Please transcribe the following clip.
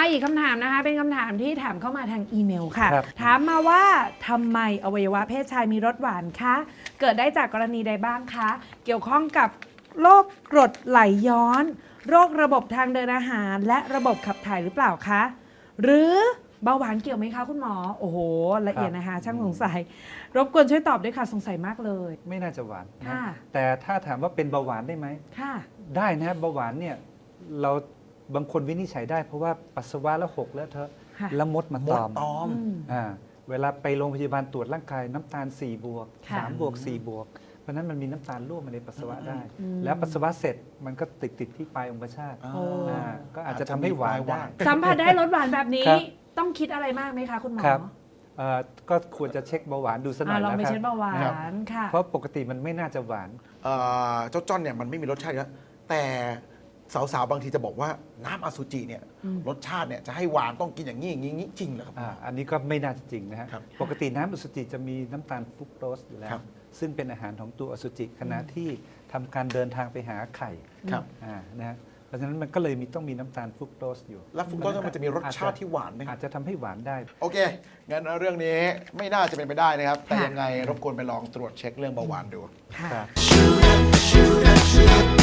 มาอีกคำถามนะคะเป็นคำถามที่ถามเข้ามาทางอีเมลค่ะครับถามมาว่าทำไมอวัยวะเพศชายมีรสหวานคะเกิดได้จากกรณีใดบ้างคะเกี่ยวข้องกับโรคกรดไหลย้อน โรคระบบทางเดินอาหาร และระบบขับถ่ายหรือเปล่าคะหรือเบาหวานเกี่ยวไหมคะคุณหมอโอ้โหละเอียดนะคะช่างสงสัยรบกวนช่วยตอบด้วยค่ะสงสัยมากเลยไม่น่าจะหวานนะค่ะแต่ถ้าถามว่าเป็นเบาหวานได้ไหมค่ะได้นะเบาหวานเนี่ยเราบางคนวินิจฉัยได้เพราะว่าปัสสาวะแล้วหกแล้วเธอะค่ะแล้วมดมามตดอมตอมเวลาไปโรงพยาบาลตรวจร่างกายน้ำตาล4 บวกค่ะ 3 บวก 4 บวก เพราะฉะนั้นมันมีน้ำตาลร่วมมาในปัสสาวะได้อืมแล้วปัสสาวะเสร็จมันก็ติดที่ปลายองคชาตโอ้ก็อาจจะทำให้หวานได้สัมผัสได้รสหวานแบบนี้ครับต้องคิดอะไรมากไหมคะคุณหมอครับก็ควรจะเช็คเบาหวานดูสักหน่อยลองแล้วไปครัเช็คเบาหวาครับนค่ะเพราะปกติมันไม่น่าจะหวานเจ้าจ้อนเนี่ยมันไม่มีรสชาติแล้วแต่สาวๆบางทีจะบอกว่าน้ำอสุจิเนี่ยอืมรสชาติเนี่ยจะให้หวานต้องกินอย่างนี้อย่างนี้อย่างนี้จริงเหรอครับอันนี้ก็ไม่น่าจะจริงนะฮะครับปกติน้ำอสุจิจะมีน้ำตาลฟรุกโตสอยู่แล้ครัวบซึ่งเป็นอาหารของตัวอสุจิขณะที่ทำการเดินทางไปหาไข่ครับนะฮะเพราะฉะนั้นมันก็เลยต้องมีน้ำตาลฟรุกโตสอยู่แล้วฟรุกโตสมันจะมีรสชาติที่หวานไหมคอารับจจะทำให้หวานได้โอเค งั้นเรื่องนี้ไม่น่าจะเป็นไปได้นะครับ แต่ค่ะยังไงรบกวนไปลองตรวจเช็คเรื่องเบาหวานดูค่ะครับ shoot up, shoot up, shoot up.